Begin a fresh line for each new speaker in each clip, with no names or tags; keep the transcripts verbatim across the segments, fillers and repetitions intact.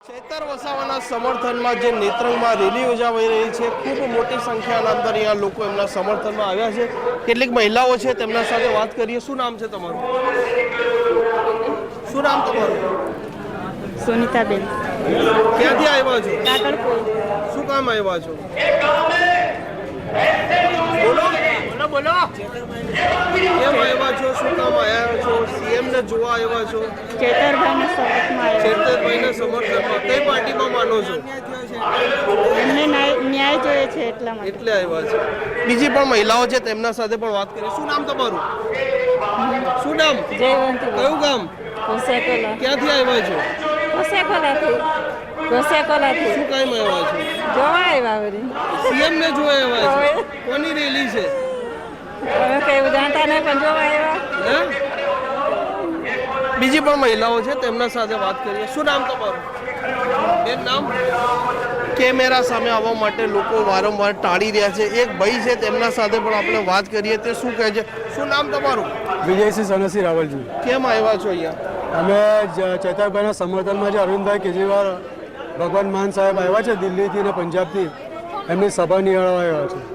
ચૈતર વસાવાના સમર્થનમાં જે નેત્રંગમાં રેલી યોજાઈ રહી છે, ખૂબ મોટી સંખ્યાના અંદર અહીંયા લોકો એમના સમર્થનમાં આવ્યા છે. કેટલીક મહિલાઓ છે, તેમના સાથે વાત કરીએ. શું નામ છે તમારું? શું નામ તમારું?
સુનિતાબેન.
ક્યાંથી આવ્યા છો?
કાકડપુર.
શું કામ આવ્યા છો? બોલો બોલો બોલો. કેમ આવ્યા છો? શું કામ આવ્યા છો? સીએમ ને જોવા આવ્યા છો?
ચેતરભાઈના સમર્થનમાં
ચેતરભાઈના સમર્થનમાં કઈ પાર્ટીમાં માનો છો?
એમને ન્યાય જોઈએ છે એટલા માટે
એટલે આવ્યા છે. બીજી પણ મહિલાઓ છે, તેમના સાથે પણ વાત કરીએ. શું નામ તમારું? શું નામ?
જયવંતી.
કયું ગામ?
કોસેકોલા.
ક્યાંથી આવ્યા છો?
કોસેકોલાથી. કોસેકોલાથી.
શું કામ આવ્યા છો?
જોવા આવ્યા વળી.
સીએમ ને જોવા આવ્યા છો? કોની રેલી છે?
હવે કઈ જાણતા નહીં પણ જોવા આવ્યા.
હે? બીજી પણ મહિલાઓ છે, તેમના સાથે વાત કરીએ. શું નામ તમારું? બેન નામ? કેમેરા સામે આવવા માટે લોકો વારંવાર ટાળી રહ્યા છે. એક ભાઈ છે, તેમના સાથે પણ આપણે વાત કરીએ. તે શું કહે છે? શું નામ તમારું?
વિજયસિંહ સનસિંહ રાવલજી.
કેમ આવ્યા છો અહીંયા?
અમે ચેતરભાઈના સમર્થનમાં જે અરવિંદભાઈ કેજરીવાલ ભગવાન માન સાહેબ આવ્યા છે દિલ્હીથી અને પંજાબથી, એમની સભા નિહાળવા આવ્યા છે.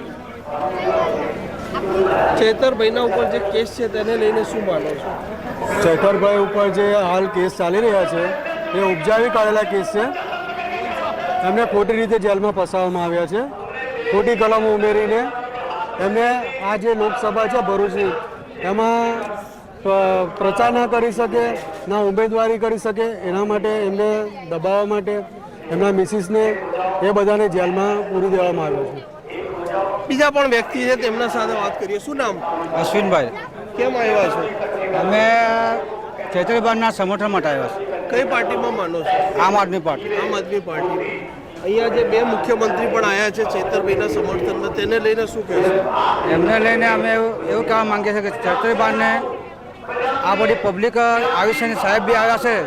ચેતરભાઈના ઉપર જે કેસ છે તેને લઈને શું માનો છો?
ચેતરભાઈ ઉપર જે હાલ કેસ ચાલી રહ્યા છે એ ઉપજાવી કાઢેલા કેસ છે. એમને ખોટી રીતે જેલમાં ફસાવવામાં આવ્યા છે. ખોટી કલમો ઉમેરીને એમને આ જે લોકસભા છે ભરૂચની, એમાં પ્રચાર ના કરી શકે, ના ઉમેદવારી કરી શકે, એના માટે એમને દબાવવા માટે એમના મિસિસને એ બધાને જેલમાં પૂરી દેવામાં આવ્યો છે.
બીજા પણ વ્યક્તિ છે, તેમના સાથે વાત કરીએ. શું નામ?
અશ્વિનભાઈ.
કેમ આવ્યા છો?
અમે ચેતરભાઈના સમર્થન માટે આવ્યા છે.
કઈ પાર્ટીમાં માનો છો?
આમ આદમી પાર્ટી.
આમ આદમી પાર્ટી. અહીંયા જે બે મુખ્યમંત્રી પણ આવ્યા છે ચેતરભાઈના સમર્થનમાં, તેને લઈને શું કહેશો?
એમને લઈને અમે એવું એવું કહેવા માંગીએ છીએ કે ચેતરભાઈને આ બધી પબ્લિક આવી છે, સાહેબ બી આવ્યા છે,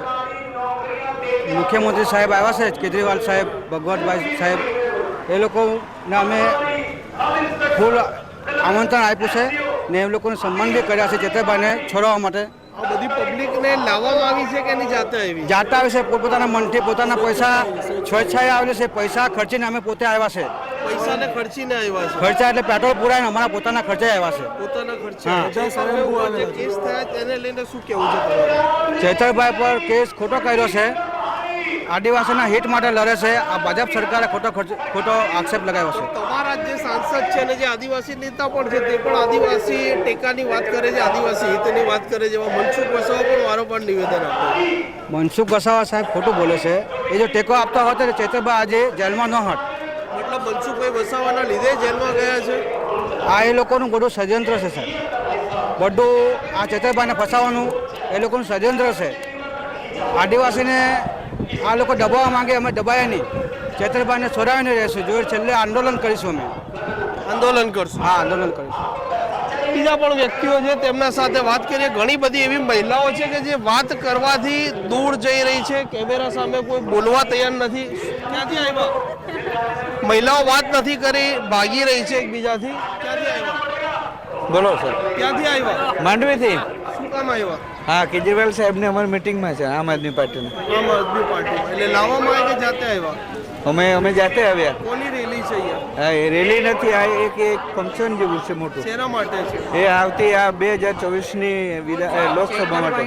મુખ્યમંત્રી સાહેબ આવ્યા છે, કેજરીવાલ સાહેબ, ભગવતભાઈ સાહેબ, એ લોકોને અમે ફૂલ આમંત્રણ આપ્યું છે ને એમ લોકોને સન્માન બી કર્યા છે ચેતરભાઈને છોડવા માટે.
આ બધી પબ્લિકને લાવવામાં આવી છે કે નહીં જાતે આવી?
જાતા આવે છે, પોતપોતાના મનથી પોતાના પૈસા સ્વેચ્છાએ આવેલા છે, પૈસા ખર્ચીને અમે પોતે આવ્યા છે.
પૈસાને ખર્ચીને આવ્યા છે?
ખર્ચા એટલે પેટ્રોલ પુરાઈને અમારા પોતાના ખર્ચે આવ્યા છે.
પોતાના ખર્ચે.
હા.
જે કેસ થયા તેને લઈને શું કહેવું છે તમારું?
ચેતરભાઈ પર કેસ ખોટો કર્યો છે, આદિવાસીના હિત માટે લડે છે. આ ભાજપ સરકારે ખોટો ખર્ચ ખોટો આક્ષેપ લગાવ્યો છે.
તમારા જે સાંસદ છે અને જે આદિવાસી નેતા પણ છે, તે પણ આદિવાસી ટેકાની વાત કરે છે, આદિવાસી હિતની વાત કરે છે. મનસુખ વસાવા પણ વારંવાર નિવેદન આપે.
મનસુખ વસાવા સાહેબ ખોટું બોલે છે. એ જો ટેકો આપતા હોત તો ચેતરભાઈ આજે જેલમાં ન હોત.
મતલબ મનસુખભાઈ વસાવાના લીધે જેલમાં ગયા છે?
આ એ લોકોનું બધું ષડયંત્ર છે સાહેબ. બધું આ ચેતરભાઈને ફસાવાનું એ લોકોનું ષડયંત્ર છે. આદિવાસીને આ લોકો દબાવવા માંગે, અમે દબાયા નહીં. ચેતરભાઈને છોડાવીને રહેશું. જો છેલ્લે આંદોલન કરીશું અમે.
આંદોલન કરશું?
હા, આંદોલન કરીશું.
બીજા પણ વ્યક્તિઓ છે, તેમના સાથે વાત કરીએ. ઘણી બધી એવી મહિલાઓ છે કે જે વાત કરવાથી દૂર જઈ રહી છે, કેમેરા સામે કોઈ બોલવા તૈયાર નથી. ક્યાંથી આવ્યા? મહિલાઓ વાત નથી કરી, ભાગી રહી છે એકબીજાથી. ક્યાંથી આવ્યા?
બોલો સર.
ક્યાંથી આવ્યા?
માંડવીથી.
શું કામ આવ્યા?
હા, કેજરીવાલ સાહેબને અમારી મિટિંગમાં છે, આમ આદમી પાર્ટીની.
આમ આદમી પાર્ટીમાં. એટલે લાવવામાં આવે કે જાતે આવ્યા?
અમે અમે જાતે આવ્યા.
કોની રેલી છે અહીંયા?
હા, એ રેલી નથી, આ એક એક ફંક્શન જેવું છે મોટું.
શેના માટે છે?
એ આવતી આ બે હજાર ચોવીસની લોકસભા માટે.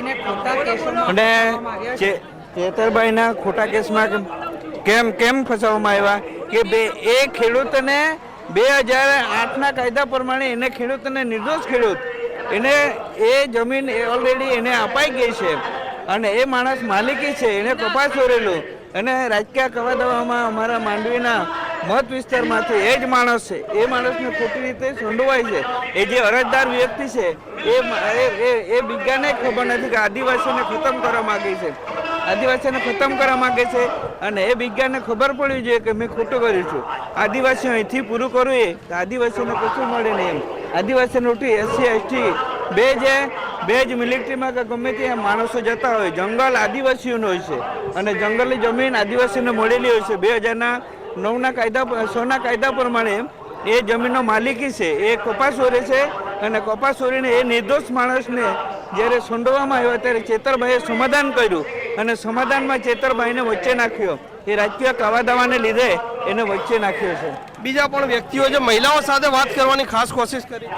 અને ચે- ચેતરભાઈના ખોટા કેસમાં કેમ કેમ ફસાવવામાં આવ્યા કે બે એ ખેડૂતને બે હજાર આઠના કાયદા પ્રમાણે એને ખેડૂતને નિર્દોષ ખેડૂત એને એ જમીન ઓલરેડી એને અપાઈ ગઈ છે અને એ માણસ માલિકી છે, એને કપાસ ઓરેલું અને રાજકીય કવાદાવામાં અમારા માંડવીના મત વિસ્તારમાંથી એ જ માણસ છે, એ માણસને ખોટી રીતે સંડોવાય છે. એ જે અરજદાર વ્યક્તિ છે એ એ બીજાને ખબર નથી કે આદિવાસીને ખતમ કરવા માગે છે, આદિવાસીને ખતમ કરવા માગે છે અને એ વિજ્ઞાનને ખબર પડવી જોઈએ કે મેં ખોટું કર્યું છું. આદિવાસીઓ અહીંથી પૂરું કરવું એ તો આદિવાસીઓને કશું મળે નહીં એમ. આદિવાસીને ઉઠી એસસી એસટી બે જે બે જ મિલિટરીમાં કે ગમે ત્યાં માણસો જતા હોય, જંગલ આદિવાસીઓનો હોય છે અને જંગલની જમીન આદિવાસીઓને મળેલી હોય છે. બે હજારના નવના કાયદા સોના કાયદા પ્રમાણે એ જમીનનો માલિકી છે, એ કપાસ ઓરે છે અને કપાસ ઓરીને એ નિર્દોષ માણસને જ્યારે સંડોવામાં આવ્યા ત્યારે ચેતરભાઈએ સમાધાન કર્યું અને સમાધાનમાં ચેતરભાઈને વચ્ચે નાખ્યો. એ રાજકીય કાવાદાવાને લીધે એને વચ્ચે નાખ્યો છે.
બીજા પણ વ્યક્તિઓ છે મહિલાઓ સાથે વાત કરવાની ખાસ કોશિશ કરી.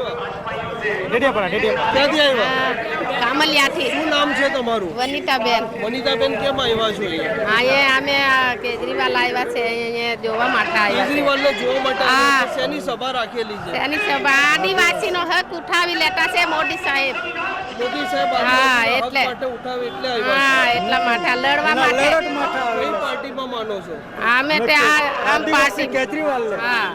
ક્યાંથી આવ્યા? ક્યાંથી આવ્યા?
કામલિયાથી.
શું નામ છે તમારું?
વનિતાબેન.
વનિતાબેન, કેમ આવ્યા છો અહીંયા?
અહીંયા અમે આ કેજરીવાલ આવ્યા છે અહીંયા જોવા માટે આવ્યા છે.
કેજરીવાલને જોવા માટે
હા.
આવ્યા છે. શેની સભા રાખેલી છે?
એની સભા આદિવાસીનો હક ઉઠાવી લેતા છે મોદી સાહેબ.
મોદી સાહેબ
હા,
આદિવાસીના હક
એટલે.
માટે ઉઠાવે એટલે આવ્યા
હા એટલા માટે આ લડવા માટે
છો. કઈ પાર્ટીમાં માનો છો?
અમે તે આ આમ પાર્ટી
કેજરીવાલ
હા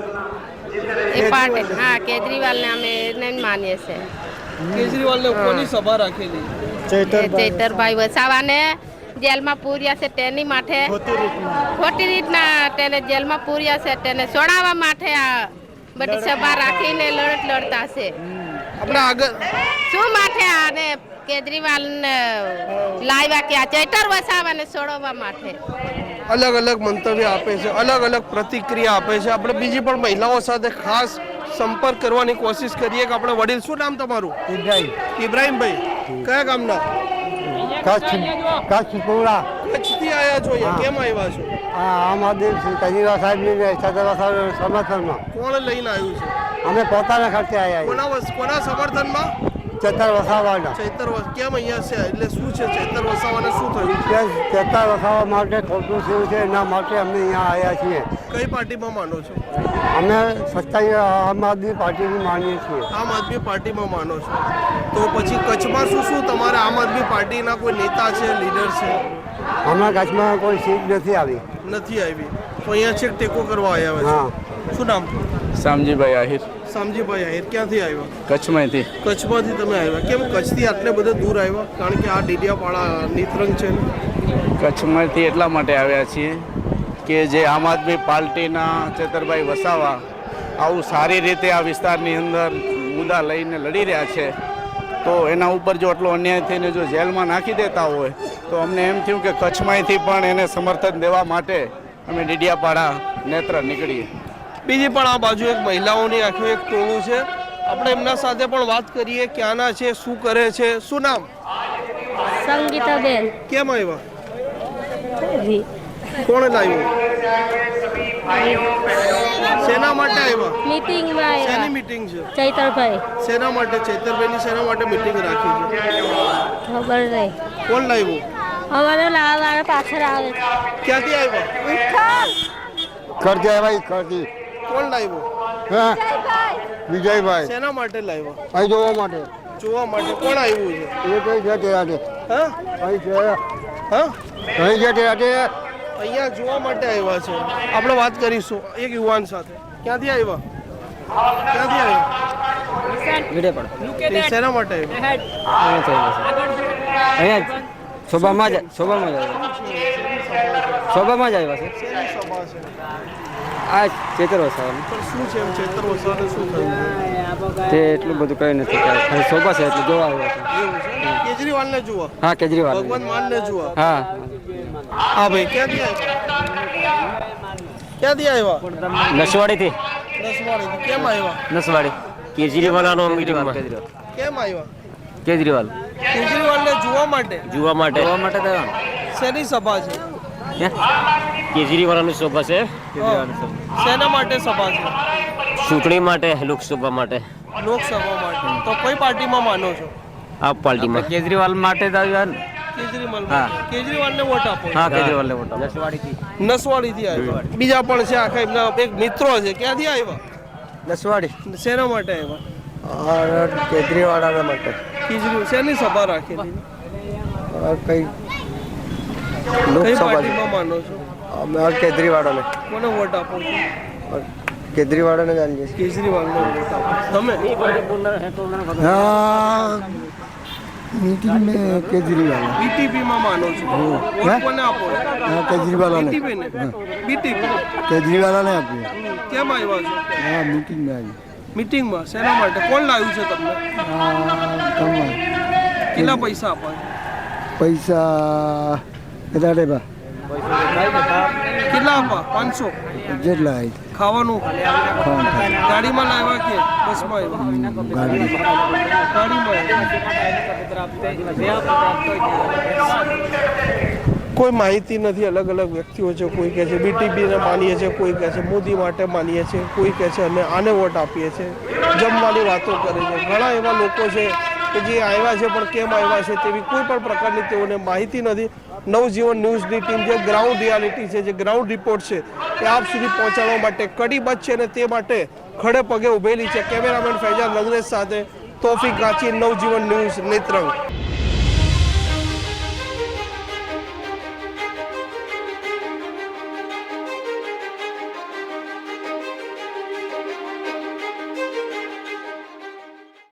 એ પાર્ટી હા કેજરીવાલને અમે એને જ માનીએ છીએ.
કેજરીવાલને કોની સભા રાખેલી?
એ ચૈતરભાઈ વસાવાને જેલમાં પૂર્યા છે તેની માટે ખોટી રીતના તેને જેલમાં પૂર્યા છે તેને છોડાવવા માટે આ બધી સભા રાખીને લડત લડતા છે.
આપણે આગળ
શું માટે આને કેજરીવાલ લાવ્યા કે આ ચૈતર વસાવાને છોડવા માટે.
અલગ અલગ મંતવ્ય આપે છે, અલગ અલગ પ્રતિક્રિયા આપે છે. આપણે બીજી પણ મહિલાઓ સાથે ખાસ સંપર્ક કરવાની કોશિશ કરીએ કે આપણે વડીલ, શું નામ તમારું?
ઇબ્રાહિમ
ઇબ્રાહિમભાઈ, કયા ગામના?
કચ્છ કચ્છ પૂરા
કચ્છથી આવ્યા છો અહીંયા, કેમ આવ્યા છો?
આ આમ આદમી કેજરીવાલ સાહેબની ચેતરભાઈ સાહેબ સમર્થનમાં
કોણ લઈને આવ્યું છે?
અમે પોતાના ખર્ચે આવ્યા
કોના વસ- કોના સમર્થનમાં?
ચેતર વસાવાના
ચૈતર વસ- કેમ અહીંયા છે? એટલે શું છે ચૈતર વસાવાને શું થયું છે?
ચેતર વસાવા માટે ખોટું થયું છે એના માટે અમે અહીંયા આવ્યા છીએ.
કઈ પાર્ટીમાં માનો છો?
અમે સત્તાઈ આમ આદમી પાર્ટીની માનીએ છીએ.
આમ આદમી પાર્ટીમાં માનો છો. તો પછી કચ્છમાં શું શું તમારે આમ આદમી પાર્ટીના કોઈ નેતા છે, લીડર છે?
હમણાં કચ્છમાં કોઈ સીટ નથી આવી.
નથી આવી તો અહીંયા છેક ટેકો કરવા આવ્યા
હા.
છે. શું નામ?
શામજીભાઈ આહિર,
શામજીભાઈ આહિર, ક્યાંથી આવ્યા?
કચ્છમાંથી.
કચ્છમાંથી તમે આવ્યા. કેમ કચ્છથી આટલે બધે દૂર આવ્યા? કારણ કે આ ડેડિયાપાડા નીતરંગ છે ને.
કચ્છમાંથી એટલા માટે આવ્યા છીએ કે જે આમ આદમી પાર્ટીના ચેતરભાઈ વસાવા આવું સારી રીતે આ વિસ્તારની અંદર મુદ્દા લઈને લડી રહ્યા છે, તો એના ઉપર જો આટલો અન્યાય થઈને જો જેલમાં નાખી દેતા હોય તો અમને એમ થયું કે કચ્છમાંથી પણ એને સમર્થન દેવા માટે અમે ડેડિયાપાડા નેત્ર નીકળીએ.
બીજી પણ આ બાજુ એક મહિલાઓની આખું એક ટોળું છે. આપણે એમના સાથે પણ વાત કરીએ, ક્યાંના છે, શું કરે છે. શું નામ?
સંગીતાબેન.
કેમ આવ્યા? કોણ લાવ્યું? શેના માટે આવ્યા?
મીટિંગમાં
શેની મીટિંગ છે?
ચૈતરભાઈ.
શેના માટે? ચૈતરભાઈની શેના માટે મીટિંગ રાખી છે?
ખબર નહીં.
કોણ લાવ્યું?
અમારે લાવવાના પાછળ આવે
ક્યાંથી આવ્યા?
કરજે ભાઈ કરજી.
કોણ લાવ્યું?
હા વિજયભાઈ
શેના માટે લાવ્યા?
અહીં જોવા માટે
જોવા માટે. કોણ આવ્યું છે?
એ કઈ છે તે આજે
હા
અહીં છે
હા
અહીં છે તે આજે
અહીંયા જોવા માટે આવ્યા છે. આપણે વાત કરીશું એક યુવાન સાથે. ક્યાંથી આવ્યા? ક્યાંથી આવ્યા? એ શેના માટે આવ્યા?
અહીંયા શોભામાં જ શોભામાં જ શોભામાં જ આવ્યા છે.
શેની સભા છે?
આ ચેતર વસાવાનું
પણ શું છે એમ ચૈતર વસાવાને શું થયું છે?
તે એટલું બધું કંઈ નથી ખાલી શોભા છે એટલે જોવા આવ્યા છે.
એવું છે? કેજરીવાલને જુઓ,
હા કેજરીવાલ.
ભગવાન માનને જુઓ.
હા
હા ભાઈ, ક્યાંથી આવ્યા? ક્યાંથી આવ્યા?
નસવાડીથી.
નસવાડીથી. કેમ આવ્યા?
નસવાડી કેજરીવાલનો મીટિંગમાં.
કેમ આવ્યા?
કેજરીવાલ
કેજરીવાલને જોવા માટે.
જોવા માટે.
જોવા માટે તો
શેની સભા છે?
કેજરીવાલની સભા છે.
શેના માટે સભા છે?
ચૂંટણી માટે, લોકસભા માટે,
લોકસભા માટે. તો કઈ પાર્ટીમાં માનો છો?
આ પાર્ટીમાં.
કેજરીવાલ માટે જ આવ્યા ને.
કેજરીવાલ.
હા.
કેજરીવાલને વોટ આપો.
હા કેજરીવાલને વોટ આપો.
નસવાડીથી.
નસવાડીથી આવ્યા. બીજા પણ છે આખા એમના એક મિત્રો છે. ક્યાંથી આવ્યા?
નસવાડી
શેના માટે આવ્યા?
કેજરીવાળાના માટે
કેજરીવાલ. શેની સભા રાખેલી?
કઈ
કઈ પાર્ટીમાં માનો છો?
અમે કેજરીવાળાને
કોને વોટ આપો છો?
કેજરીવાળાને જાણીએ
કેજરીવાલને વોટ આપો. તમે?
હા મીટિંગ મેં કેજરીવાલ
બીટીપીમાં માનો છો? વોટ કોને આપો છો?
હા કેજરીવાલાને
બીટીપીને? બીટીપી.
કેજરીવાલાને આપીએ
કેમ આવ્યા છો?
હા મીટિંગમાં આવી
મીટિંગમાં. શેના માટે? કોણ લાવ્યું છે તમને?
હા તમારે
કેટલા પૈસા આપવા છે?
પૈસા વધારે બા
કેટલા આપા પાંચસો
જેટલા
ખાવાનું ગાડીમાં લાવ્યા કે બસમાં આવ્યા ગાડીમાં કોઈ માહિતી નથી. અલગ અલગ વ્યક્તિઓ છે. કોઈ કહે છે બીટીપીને માનીએ છીએ, કોઈ કહે છે મોદી માટે માનીએ છીએ, કોઈ કહે છે અમે આને વોટ આપીએ છીએ, જમવાની વાતો કરે છે. ઘણા એવા લોકો છે કે જે આવ્યા છે પણ કેમ આવ્યા છે તેવી કોઈ પણ પ્રકારની તેઓને માહિતી નથી. નવજીવન ન્યૂઝની ટીમ જે ગ્રાઉન્ડ રિયાલિટી છે, જે ગ્રાઉન્ડ રિપોર્ટ છે એ આપ સુધી પહોંચાડવા માટે કડીબદ્ધ છે અને તે માટે ખડે પગે ઉભેલી છે. કેમેરામેન ફૈજાન લંગરેજ સાથે તોફિક ગાચી, નવજીવન ન્યૂઝ, નેત્રંગ.